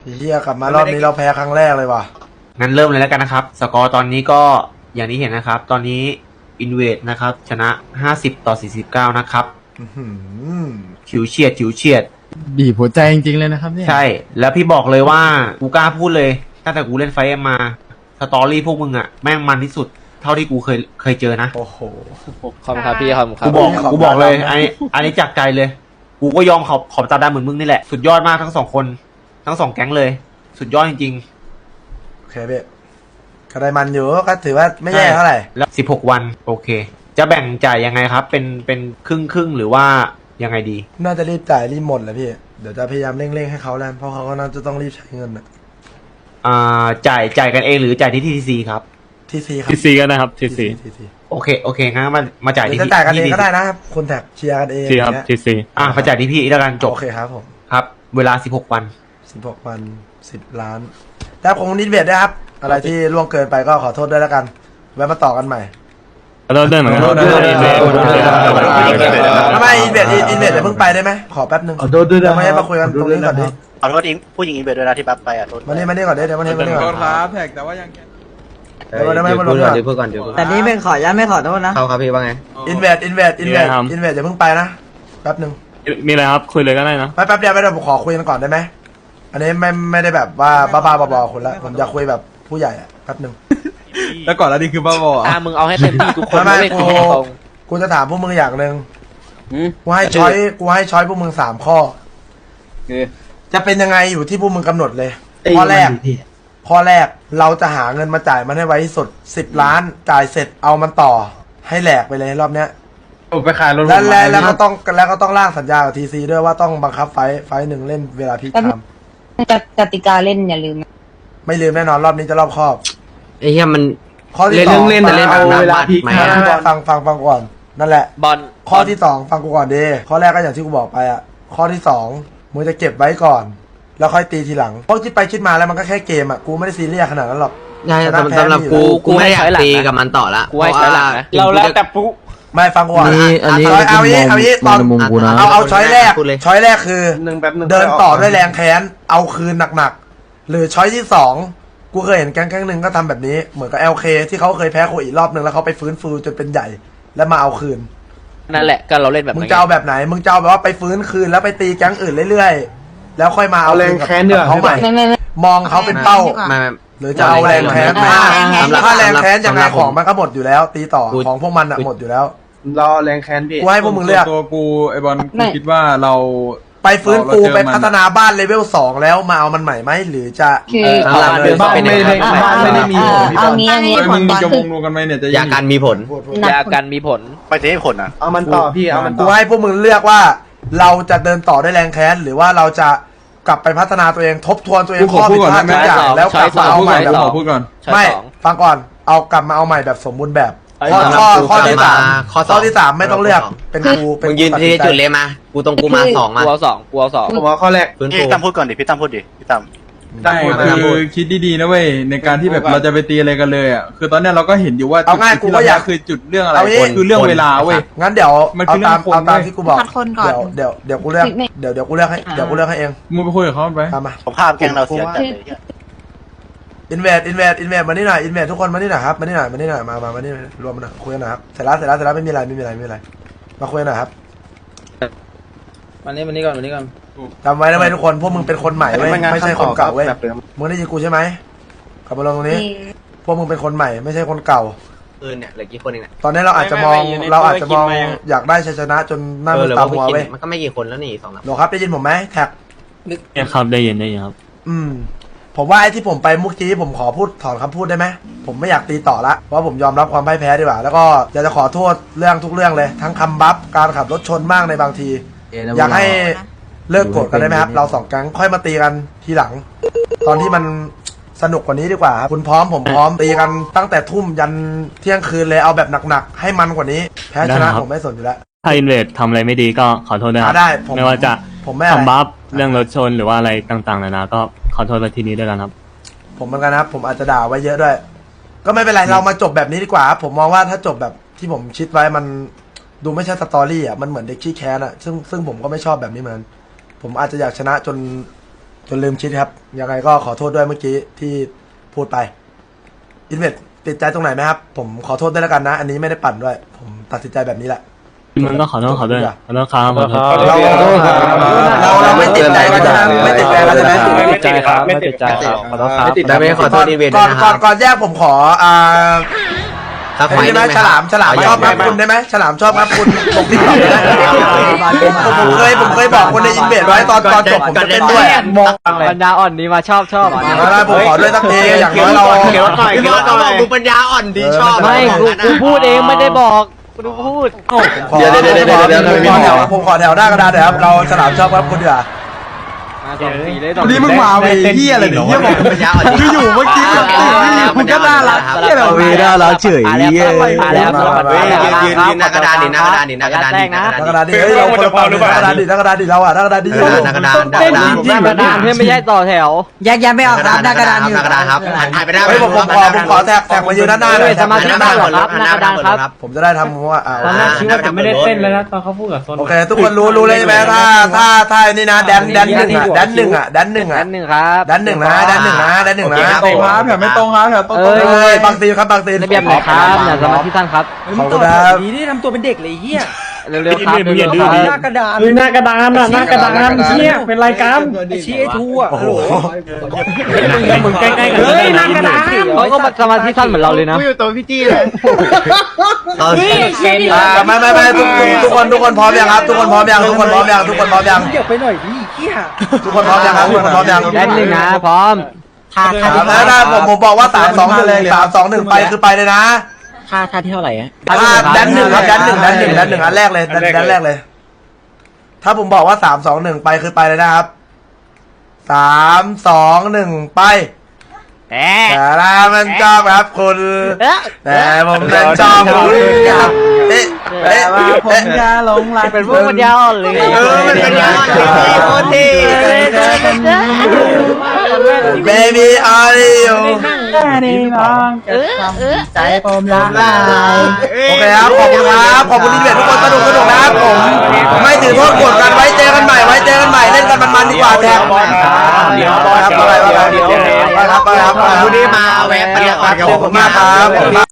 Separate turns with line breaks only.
เฮียกลับมารอบนี้เราแพ้ครั้งแรกเลยว่ะ
งั้นเริ่มเลยแล้วกันนะครับ สกอร์ตอนนี้ก็อย่างที่เห็นนะครับ ตอนนี้อินเวดนะครับชนะ50-49นะครับ
อื้อหือ
ฉิวเฉียด
บีบหัวใจจริงๆเลยนะครับเนี่ย
ใช่ แล้วพี่บอกเลยว่ากูกล้าพูดเลยตั้งแต่กูเล่นไฟเอ็มมาสตอรี่พวกมึงอะแม่งมันที่สุดเท่าที่กูเคยเจอนะ
โอ้โห
ขอบคุณครับพี่ขอบคุณครับ
กูบอกเลยอันนี้จากใจเลย กูก็ยอมขอบตาดำเหมือนมึงนี่แหละสุดยอดมากทั้งสองคนทั้งสองแก๊งเลย สุดยอดจริง
โอเคเบ๊ก็ได้มันอยู่ก็ถือว่า
ๆ
ไม่แย่เท่าไหร่
แล้ว16 วันโอเค จะแบ่งจ่ายยังไงครับ เป็นครึ่งหรือว่ายังไงดี
น่าจะรีบจ่ายรีบหมดแหละพี่ เดี๋ยวจะพยายามเร่งๆให้เขาแล้วเพราะเขาก็น่าจะต้องรีบใช้เงินอะ
จ่ายกันเองหรือจ่ายที่ทีซีครับ
ทีซีครับ
ทีซีก็ได้ครับทีซี
ทีซี
โอเคงั้นมาจ่าย
หรือ
ที่
จะจ่ายกันเอง
ที่
ก็ได้นะครับคุณแท็กเชียร์กันเอง
ทีครับ
อย่างเงี้ย
ทีซี
มาจ่ายที่พี่แล้วกันจบ
โอเคครับผม
ครับ เวลา16 วัน
16 วัน 10 ล้านแล้วคงนิดเบียดด้วยครับ อะไรที่ล่วงเกินไปก็ขอโทษด้วยแล้วกันไว้มาต่อกันใหม่
แล้วเราเดินเหมือนกัน
ขอโทษด้วย
ทำ
ทำไมอินเบียดอย่าเพิ่งไปได้ไหมขอแป๊บนึงเดี๋ยวมาให้มาคุยกันตรงนี้ก่อนดิ
ขอโทษผู้หญิงอินเวดด้วยนะที่บัฟไปอ่ะโทษ
มานี่ก่อนดิเดี๋ยวมานี่ก่อน
ครับแท็กแต่ว่ายัง
เดี๋ยวมาลงก่อน
แต่นี้เป็นขออนุญาตไม่ขอโทษนะ
เขาครับพี่ว่าไง
อินเวดอย่าเพิ่งไปนะแป๊บนึง
มีอะไรครับคุยเลยก็ได้นะ
แป๊บเดียวผมขอคุยกันก่อนได้ไหมอันนี้ไม่ได้แบบว่าบ้าๆบอๆคุณละผมจะคุยแบบผู้ใหญ่อะแป๊บนึง
แล้วก่อนแล้วนี่คือบ้าบอ
มึงเอาให้เต็มที่ทุกคน
ไม่
ไม่
กู
คุยตรง
กูจะถามพวกมึงอย่างหนึ่งกูให้ช้อยพวกมึง3 ข้อจะเป็นยังไงอยู่ที่พวกมึงกำหนดเลย ข้อแรกเราจะหาเงินมาจ่ายมันให้ไวที่สุด10 ล้านจ่ายเสร็จเอามันต่อให้แหลกไปเลยรอบเนี้ย
ไปขายรถ
แล้วก็ต้องร่างสัญญากับทีซีด้วยว่าต้องบังคับไฟหนึ่งเล่นเวลาพีคไทม์
กติกาเล่นอย่าลืม
ไม่ลืมแน่นอนรอบนี้จะรอบคอบ
ไอ้เหี้ยมัน
ข้อที่
เล่น
ส
เรื่
อ
อง งเล่นแต่เล่นแบบน้ำบัตรไหม
ฟังก่อนนั่นแหละ
บอล
ข้อที่2ฟังกูก่อนดีข้อแรกก็อย่างที่กูบอกไปอ่ะข้อที่2มึงจะเก็บไว้ก่อน แล้วค่อยตีทีหลังเพราะคิดไปคิดมาแล้วมันก็แค่เกมอ่ะกูไม่ได้ซีเรียสขนาดนั้นหรอก
ใช่สำหรับกูไม่อยากตีกับมันต่อละ
กูให้ใช้หลักนะ
เราแล้วแต่
ไม่ฟังกูก่อน
อันนี้
เอางี้ตอน
ในมุมกูนะ
เอาช้อยแรก
พูดเลย
ช้อยแรกคือเดินต่อด้วยแรงแค้นเอาคืนหนักๆหรือช้อยที่2กูเคยเห็นแก๊งหนึ่งก็ทำแบบนี้เหมือนกับ LK ที่เขาเคยแพ้โคอีกรอบนึงแล้วเขาไปฟื้นฟูจนเป็นใหญ่แล้วมาเอาคืน
นั่นแหละก็เราเล่นแบบ
มึงจะเอาแบบไหนมึงจะเอาแบบว่าไปฟื้นคืนแล้วไปตีแก๊งอื่นเรื่อยๆแล้วค่อยมาเอาแรงแค้นเขาใหม่
ไม่
มองเขาเป็นเป้า
ไม่
หรือจะเอาแรงแค้น ถ้าแรงแค้นยังไงของมันก็หมดอยู่แล้ว ตีต่อของพวกมันอะหมดอยู่แล้ว
รอแรงแค้นพี่
กูให้พวกมึงเลือก
ตัวกูไอบอลกูคิดว่าเรา
ไปฟื้นฟูไปพัฒนาบ้านเลเวล2แล้วมาเอามันใหม่ไหมหรือจะ
คือ
บ้านไม่ได้มีผล
เอางี้
มึงจะวงรวมกันไหมเนี่ยจะ
ยากันมีผล
ยากันมีผลไปที่ผลอ่ะ
เอามันต่อพี่เอามัน
กูให้พวกมึงเลือกว่า เราจะเดินต่อด้วยแรงแค้นหรือว่าเราจะกลับไปพัฒนาตัวเองทบทวนตัวเองข้อผิดพลาดทุกอย่างแล้วกลับมาเอาใหม่แบบ
พูดก่อน
ไม่ฟังก่อนเอากลับมาเอาใหม่แบบสมบูรณ์แบบข้อที่สามข้อที่3ไม่ต้องเลือกเป็นกูเป็
มึงยืนที่จุดเลยมากูตรงกูมา2มา
กูเอาสอง
ผมว่าข้อแรก
ฟื้น
พี่
ฟู
ตั้มพูดก่อนดิพี่ตั้มพูดดิพี่ตั้ม
ได้คือคิดดีๆนะเว้ยในการที่แบบเราจะไปตีอะไรกันเลยอ่ะคือตอนเนี้ยเราก็เห็นอยู่ว่า
เอาง่ายกูก็อยาก
คือจุดเรื่องอะไร
เอางี้
คือเรื่องเวลาเว้ย
งั้นเดี๋ยว
มัน
เอา
คือเรื่
ตา
อ
ม
งคน
เอาตาม
เว้ย
ที่กูบอก
คัดคนก่อน
เดี๋ยวกูเลือกเดี๋ยวกูเลือกให้เอง
มึงไปคุยกับเขาไป
ตามมา
ผมภาพแกงเราเสียจัดเลย
อินเวดมานี่หน่อยอินเวดทุกคนมานี่หน่อยครับมานี่หน่อยมานี่รวมมาหน่อยคุยกันหน่อยครับเสร็จแล้วไม่มีอะไรมาคุยกันหน่อยครับ
วันนี้ก่อน
จำไว้นะเว้ยทุกคนพวกมึงเป็นคนใหม่เว้ยไม่ใช่คนเก่าเว้ยมึงได้ยินกูใช่ไหมกลับมาลงตรงนี้ พวกมึงเป็นคนใหม่ไม่ใช่คนเก่า
เนี่ยเหลือกี่คนเองเนี่ย
ตอนนี้เราอาจจะมองอยากได้ชัยชนะจนหน้ามือตามัวเว้ย
มันก็ไม่กี่คนแล้วนี่2
โหลครับได้ยินผมไหมแท็ก
เนี่ยครับได้ยินครับ
ผมว่าไอ้ที่ผมไปเมื่อกี้ผมขอพูดถอนคำพูดได้ไหมผมไม่อยากตีต่อละเพราะผมยอมรับความพ่ายแพ้ดีกว่าแล้วก็อยากจะขอโทษเรื่องทุกเรื่องเลยทั้งคำบัฟการขับรถชนมากในบางที อยากให้เลิกโกรธกันได้ไหมครับเรา2 แก๊งค่อยมาตีกันทีหลัง ตอนที่มันสนุกกว่านี้ดีกว่าครับคุณพร้อมผมพร้อมตีกันตั้งแต่ทุ่มยันเที่ยงคืนเลยเอาแบบหนักๆให้มันกว่านี้แพ้ชนะผมไม่สนอยู่แล้ว
ถ้าอินเวดทำอะไรไม่ดีก็ขอโทษด้วยครับ
ได้ผม
ไม่ว่าจะ
ผมไม่อะไร
ทำบัฟเรื่องรถชนหรือว่าอะไรต่างๆนานาก็ขอโทษไปทีนี้ด้วยกันครับ
ผมเหมือนกันนะครับผมอาจจะด่าไว้เยอะด้วย ก็ไม่เป็นไรเรามาจบแบบนี้ดีกว่าครับผมมองว่าถ้าจบแบบที่ผมคิดไว้มันดูไม่ใช่สตอรี่อ่ะมันเหมือนเด็กขี้แค้นอ่ะซึ่งผมก็ไม่ชอบแบบนี้เหมือนผมอาจจะอยากชนะจนจนลืมคิดครับยังไงก็ขอโทษด้วยเมื่อกี้ที่พูดไปอินเวสติดใจตรงไหนไหมครับผมขอโทษด้วยแล้วกันนะ อันนี้ไม่ได้ปั่นด้วย ผมตัดสินใจแบบนี้แหละ
มันก็ขอโทษเขาด้วยขอโทษครับขอโทษ
เราไม่ติดใจกันนะไม่ติดใจกันใช่ไหม
ไม่ติดใจครับไม่ติดใจครับขอโทษครับ
ไม่ติดใจไม่ขอโทษอีเวนต์
ก่อน
นะครับ
ก่อนแยกผมขอ
ครับ
ไอ้นี่ได้ไหมฉลามชอบครับคุณได้ไหมฉลามชอบครับคุณลงติ๊กต็อกได้ไหมผมเคยบอกคนในอินเวสไว้ตอนจบผมจะเต้นด้วย
บรรดาอ่อนนี้มาชอบ
ได้ผมขอด้วยสักเพลงอย่างน้อยเรา
เกี่ยวหน่อย
พี่
เกี่
บ
ยว
อล
หน่
เขาบ
อ
อก
ย
มึงปัญญาอ่อนดีชอบ
ไม่กูพูดเองไม่ได้บอกกูพูด
เดี๋ยวผมขอแถวหน้ากระดานเดี๋ยวครับเราฉลามชอบครับคุณเดี๋ยว
วันนี้มึงมาเวเฮียอะไรเนี่ยเฮียบอก
ปัญญาอ่อนดี
คืออยู่เมื่อกี้มึงก็น่ารักเฮียอะไรวะ
น่ารักเฉย
ยืนหน้ากระดานดิหน้ากระดานดิหน้ากระดานดิหน้ากระดาน
หน้ากระดานดิเฮ้ยเราคนละฝั่งหน้ากระดานดิหน้ากระดานดิเราอะหน้ากระดานดิ
หน้ากระดานหน้ากระดาน
หน้ากระดานไม่ใช่ต่อแถว
แยกไม่ออกครับหน้ากระดานอยู่
หน้ากระดานครับถ่ายไปได้
เฮ้ยผมขอแท็กมายืนด้านหน้าหน่อย
สมาชิกบ้านเหรอครับหน้ากระดานครับ
ผมจะได้ทำว่า
ตอนแรกคิดว่าจะไม่ได้เต้นเลยนะตอนเขาพูดกับโซน
โอเคทุกคนรู้เลยใช่ไหมถ้านี่นะแดนหนึ่งอะ
อันหนึ่งครับ
แดนหนึ่งนะ
ตรงครับแถวไม่ตรงครับแถวตรง
บางตีครับบางตี
ระเบียบไหนครับเนี่ยสมาชิกท่านครับ
ขอบคุณครับ
นี่ทำตัวเป็นเด็กเลยเฮีย
เร็วๆครับเร็วๆครับ
หน้ากระดาน
หน้ากระดานอ่ะหน้ากระดานเชี่ยเป็นรายการ
ชี้ไอ้ทูอ่ะ
โอ้โห
มึงใกล้ๆกัน
เฮ้ยหน้ากระดานเขาก็สมาชิกท่านเหมือนเราเลยนะ
อยู่ตัวพี่จี้เลย
ไม่ทุกคนพร้อมยังครับทุกคนพร้อมยัง
เดี๋ยวไปหน่อยดิเฮีย
ทุกคนพร้อมยังครับทุกคนพร้อมยัง
แดนหนึ่งนะพร้อม
ถ้าผมบอกว่า3-2-1ไปคือไปเลยนะ
ท่าที่เท่าไหร่อะ
แดนหนึ่งครับแดนหนึ่งอันแรกเลยแดนแรกเลย ถ้าผมบอกว่า3-2-1ไปคือไปเลยนะครับ3-2-1ไปแต่ละมันชอบครับคุณแต่ผมนั้นชอบคุณครับ
ผมจะหลงรัก
เป็นพวกปัญญาอ่อนเลย
มันเป็นยอดโคตรเท่
Baby are you
ใจผมละลาย
โอเคครับขอบคุณครับขอบคุณที่เด็ดทุกคนสนุกนะครับผมไม่ถือโทษกดกันไว้เจอกันใหม่เล่นกันมันดีกว่าแทนครับไปครับ
วันนี้มาแวะปัญญาอ่อนกับ
ขอบคุณมากครับ